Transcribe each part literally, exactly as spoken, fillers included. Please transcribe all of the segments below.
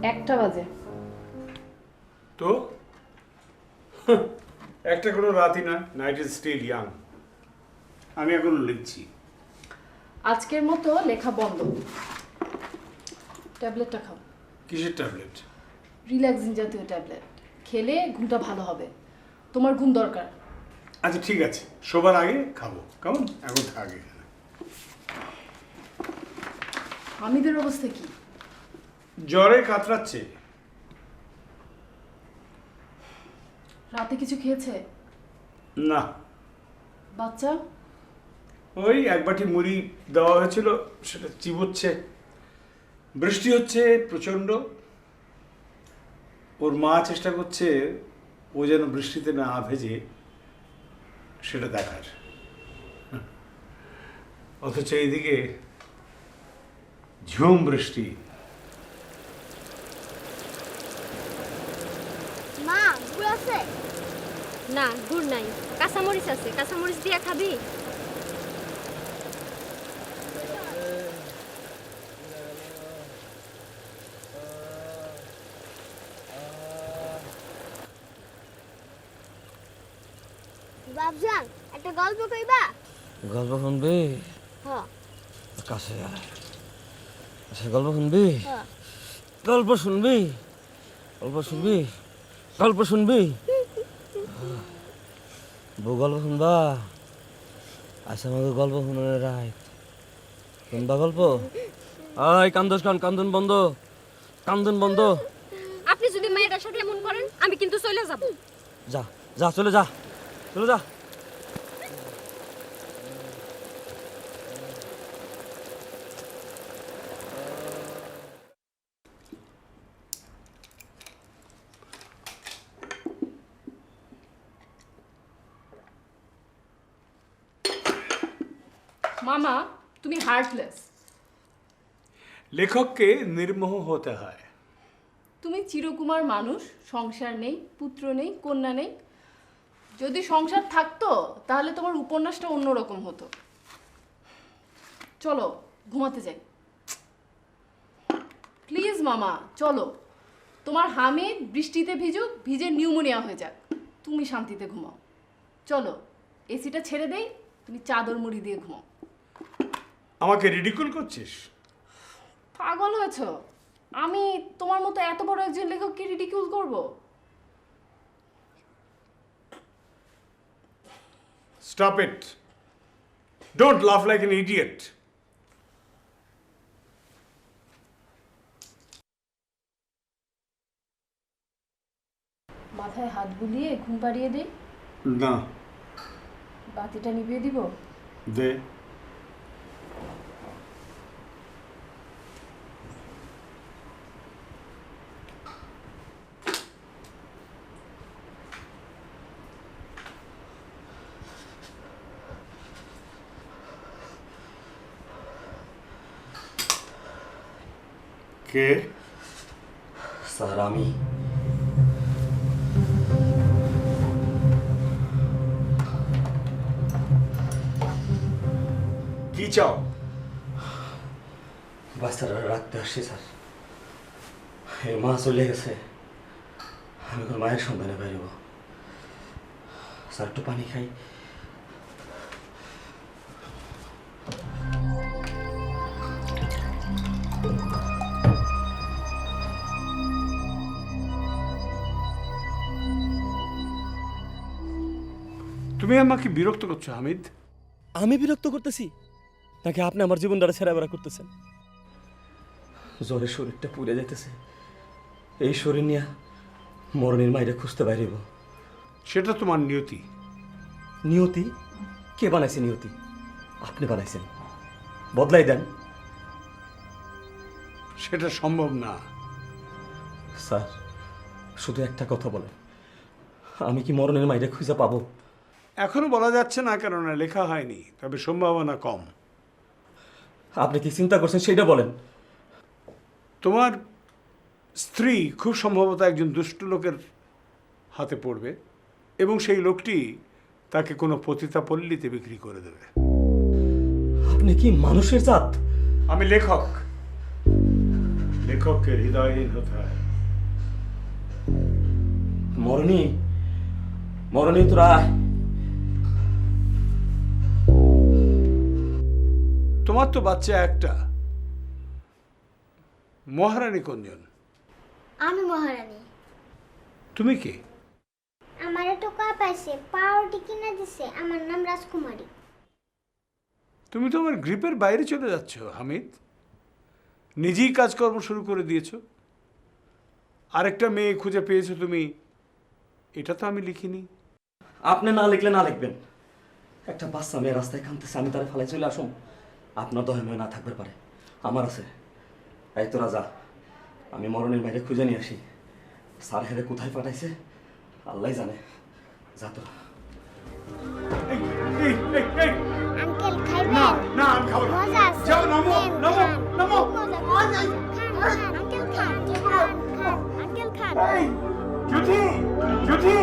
একটা বাজে। তো একটা কোনো রাতই না, নাইট ইজ স্টিল ইয়াং। আমি এখন লিখছি। আজকের মতো লেখা বন্ধ। ট্যাবলেটটা খাও। কিসের ট্যাবলেট? রিল্যাক্সিং জাতীয় ট্যাবলেট খেলে ঘুমটা ভালো হবে। তোমার ঘুম দরকার। আচ্ছা ঠিক আছে, শোবার আগে খাবো। কেমন? এখন থাক এখানে। হামিদের অবস্থা কি? জ্বরে কাতরাচ্ছে। রাতে কিছু খেয়েছে? না। বাচ্চা? ওই এক বাটি মুড়ি দেওয়া হয়েছিল, সেটা চিবোচ্ছে। বৃষ্টি হচ্ছে প্রচণ্ড। ওর মা চেষ্টা করছে ও যেন বৃষ্টিতে না ভেজে সেটা দেখার, অথচ এইদিকে ঝুম বৃষ্টি। মা গুড় আছে? না গুড় নাই, কাঁচামরিচ আছে, কাঁচামরিচ দিয়া খাবি? বাবজান একটা গল্প কইবা? গল্প শুনবি? হ্যাঁ কাছে আয়। আচ্ছা গল্প শুনবি? হ্যাঁ গল্প শুনবি? গল্প শুনবি? গল্প শুনবি? বউ গল্প শুনবা? আচ্ছা আমাকে গল্প শুনে রায়। শুনবা গল্প? আয় কান্দোস কান, কান্দন বন্ধ, কান্দন বন্ধ। আপনি যদি মেয়েটার সাথে এমন করেন আমি কিন্তু চলে যাব। যা যা চলে যা, চলে যা। মামা তুমি হার্টলেস। লেখককে নির্মোহ হতে হয়। তুমি চিরকুমার মানুষ, সংসার নেই, পুত্র নেই, কন্যা নেই। যদি সংসার থাকতো তাহলে তোমার উপন্যাসটা অন্যরকম হতো। চলো ঘুমাতে যাই প্লিজ মামা, চলো। তোমার হামিদ বৃষ্টিতে ভিজুক, ভিজে নিউমোনিয়া হয়ে যাক, তুমি শান্তিতে ঘুমাও। চলো এসিটা ছেড়ে দেই, তুমি চাদর মুড়ি দিয়ে ঘুমাও। আমাকে রিডিকুল করছিস? পাগল হয়েছ? আমি তোমার মতো এত বড় একজন লেখককে রিডিকিউল করব? Stop it. Don't laugh like an idiot. মাথায় হাত বুলিয়ে ঘুম পাড়িয়ে দেই? না। বাতিটা নিভিয়ে দিব? দে। কে? স্যার আমি। কি চাও? বাচ্চারা রাখতে আসছি স্যার। এই মা চলে গেছে, আমি এখন মায়ের সন্ধানে বেরোবো। স্যার একটু পানি খাই। তুমি আমাকে বিরক্ত করছো হামিদ। আমি বিরক্ত করতেছি নাকি আপনি আমার জীবনটা ছেড়া বেড়া করতেছেন? জ্বরে শরীরটা পুড়ে যেতেছে, এই শরীর নিয়ে মরণের মাইরে খুঁজতে বাইরেব। সেটা তোমার নিয়তি। নিয়তি? কে বানাইছে নিয়তি? আপনি বানাইছেন, বদলাই দেন। সেটা সম্ভব না। স্যার শুধু একটা কথা বলেন, আমি কি মরণের মাইরে খুঁজে পাবো? এখনো বলা যাচ্ছে না, কেননা লেখা হয়নি, তবে সম্ভাবনা কম। আপনি কি চিন্তা করছেন সেটা বলেন। তোমার স্ত্রী খুব সম্ভবত একজন দুষ্ট লোকের হাতে পড়বে এবং সেই লোকটি তাকে কোনো পতিতা পল্লীতে বিক্রি করে দেবে। আপনি কি মানুষের জাত? আমি লেখক। लेखक के हृदयहीन होता है। মরণী মরণী তোরা আয়। তোমার তো বাচ্চা একটা, মহারানী কোনজন? আমি মহারানী। তুমি কি? আমার টোকা পাইছে, পাউরুটি কিনে দিছে, আমার নাম রাজকুমারী। তুমি তো আমার গ্রিপের বাইরে চলে যাচ্ছ হামিদ। নিজেই কাজকর্ম শুরু করে দিয়েছো, আরেকটা মেয়ে খুঁজে পেয়েছো তুমি, এটা তো আমি লিখিনি। আপনি না লিখলে না লিখবেন, একটা বাচ্চা মেয়ে রাস্তায় কাঁদতেছে, আমি তারে ফালাই চলে আসুন? আপনার দয়াময় না থাকবে পারে, আমার আছে। এই তোরা যা, আমি মরণের বাইরে খুঁজে নিয়ে আসি। স্যার হেরে কোথায় পাঠাইছে আল্লাহ জানে। যা তোরা। এই, এই, এই, এই, আঙ্কেল খাইবেন? না না আমি খাবো না। মজা আছে। যাও, নামো, নেন, নামো, খান। নামো। মজা, মজা। Khan, Khan, uncle Khan, Khan, Khan, uncle Khan. এই, জ্যোতি, জ্যোতি।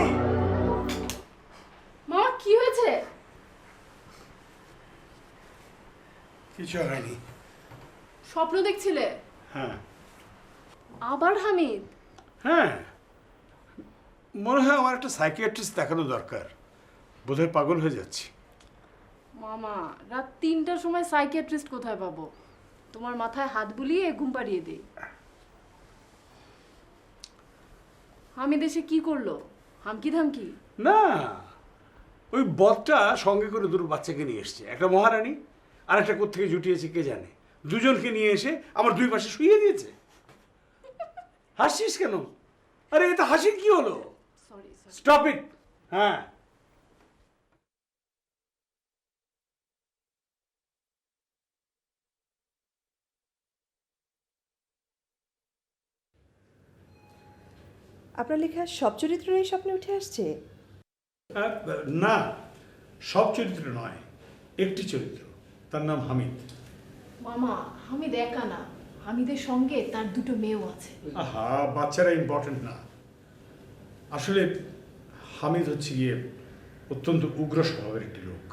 মামা কি হয়েছে? কিছু হয়নি। স্বপ্ন দেখছিলে? হ্যাঁ আবার হামিদ? হ্যাঁ, মনে হয় আমার একটা সাইকিয়াট্রিস্ট দেখানো দরকার, বোধহয় পাগল হয়ে যাচ্ছি। মামা রাত তিনটার সময় সাইকিয়াট্রিস্ট কোথায় পাবো? তোমার মাথায় হাত বুলিয়ে ঘুম পাড়িয়ে দিই। হামিদ এসে কি করলো? হামকি ধামকি? না, ওই বদটা সঙ্গে করে দুটো বাচ্চাকে নিয়ে এসছে, একটা মহারানী আর একটা কোত্থেকে জুটিয়েছে কে জানে, দুজনকে নিয়ে এসে আমার দুই পাশে শুইয়ে দিয়েছে। হাসছিস কেন? আরে এটা হাসির কি হলো? Sorry sorry. Stop it. হ্যাঁ, আপনার লেখা সব চরিত্রই স্বপ্নে উঠে আসছে? আহ, না, সব চরিত্র নয়, একটি চরিত্র, তার নাম হামিদ। মামা হামিদ একা না, হামিদের সঙ্গে তার দুটো মেয়েও আছে। আহা, বাচ্চারা ইম্পর্টেন্ট না, আসলে হামিদ হচ্ছে গিয়ে অত্যন্ত উগ্র স্বভাবের একটি লোক।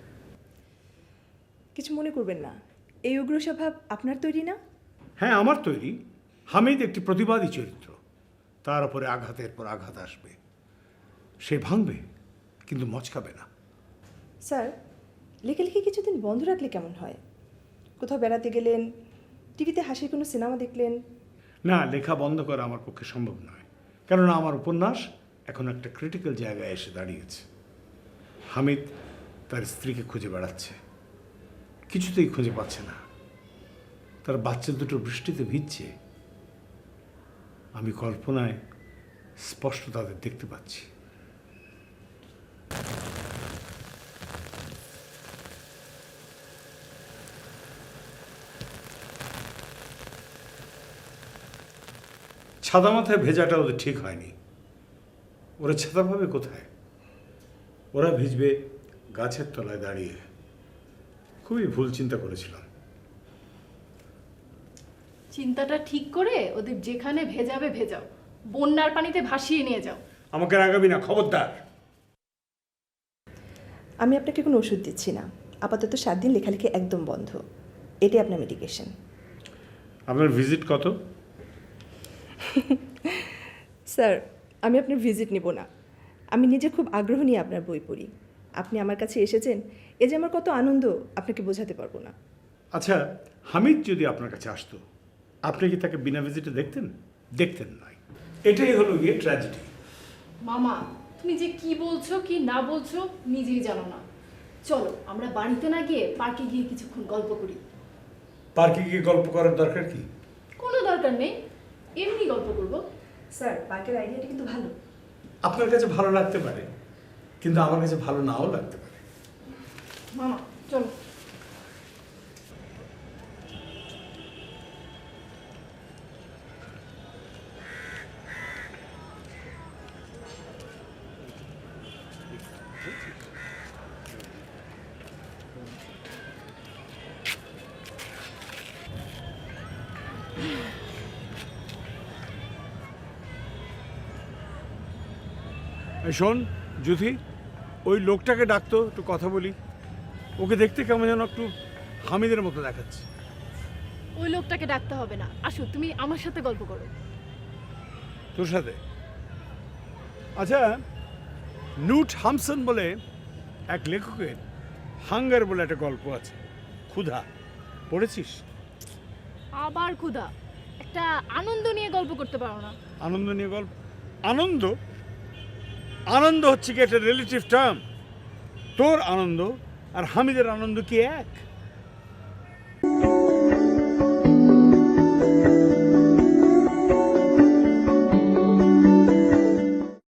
কিছু মনে করবেন না, এই উগ্র স্বভাব আপনার তৈরি না? হ্যাঁ, আমার তৈরি। হামিদ একটি প্রতিবাদী চরিত্র, তার উপরে আঘাতের পর আঘাত আসবে, সে ভাঙবে কিন্তু মচকাবে না। স্যার, লেখালেখি কিছুদিন বন্ধ রাখলে কেমন হয়? কোথাও বেড়াতে গেলেন, টিভিতে হাসির কোনো সিনেমা দেখলেন? না, লেখা বন্ধ করা আমার পক্ষে সম্ভব নয়, কেননা আমার উপন্যাস এখন একটা ক্রিটিক্যাল জায়গায় এসে দাঁড়িয়েছে। হামিদ তার স্ত্রীকে খুঁজে বেড়াচ্ছে, কিছুতেই খুঁজে পাচ্ছে না, তার বাচ্চা দুটো বৃষ্টিতে ভিজছে, আমি কল্পনায় স্পষ্ট তাদের দেখতে পাচ্ছি। ছাদা মাথায় ভেজাটা ওদের ঠিক হয়নি, ওরা ছাতা পাবে কোথায়? ওরা ভিজবে গাছের তলায় দাঁড়িয়ে। খুবই ভুল চিন্তা করেছিলাম। চিন্তাটা ঠিক করে ওদের যেখানে ভেজাবে ভেজাও, বন্যার পানিতে ভাসিয়ে নিয়ে যাও। আমাকে রাগাবি না, খবরদার। আমি আপনাকে কোনো ওষুধ দিচ্ছি না, আপাতত সাত দিন লেখালেখি একদম বন্ধ, এটাই আপনার মেডিকেশন। আপনার ভিজিট কত? স্যার, আমি আপনার ভিজিট নেব না, আমি নিজে খুব আগ্রহ নিয়ে আপনার বই পড়ি। আপনি আমার কাছে এসেছেন, এ যে আমার কত আনন্দ আপনাকে বোঝাতে পারবো না। আচ্ছা, হামিদ যদি আপনার কাছে আসতো, আপনি কি তাকে বিনা ভিজিটে দেখতেন? দেখতেন নয়, এটাই হলো গিয়ে ট্র্যাজেডি। মামা তুমি যে কি বলছো কি না বলছো নিজেই জানো না। চলো আমরা বাড়িতে না গিয়ে পার্কে গিয়ে কিছুক্ষণ গল্প করি। পার্কে গিয়ে গল্প করার দরকার কি? কোনো দরকার নেই, এমনি গল্প করবো। স্যার, পার্কের আইডিয়াটা কিন্তু ভালো। আপনার কাছে ভালো লাগতে পারে, কিন্তু আমার কাছে ভালো নাও লাগতে পারে। মামা চলো। এই শোন যুথি, ওই লোকটাকে ডাকতো, একটু কথা বলি। ওকে দেখতে কেমন যেন একটু হামিদের মতো দেখাচ্ছে। ওই লোকটাকে ডাকতে হবে না, আসো তুমি আমার সাথে গল্প করো। তোর সাথে? আচ্ছা, নুট হামসন বলে এক লেখকের হাঙ্গার বলে একটা গল্প আছে, ক্ষুধা, পড়েছিস? আবার ক্ষুধা? একটা আনন্দ নিয়ে গল্প করতে পারো না? আনন্দ নিয়ে গল্প? আনন্দ আনন্দ হচ্ছে কি একটা রিলেটিভ টার্ম। তোর আনন্দ আর হামিদের আনন্দ কি এক?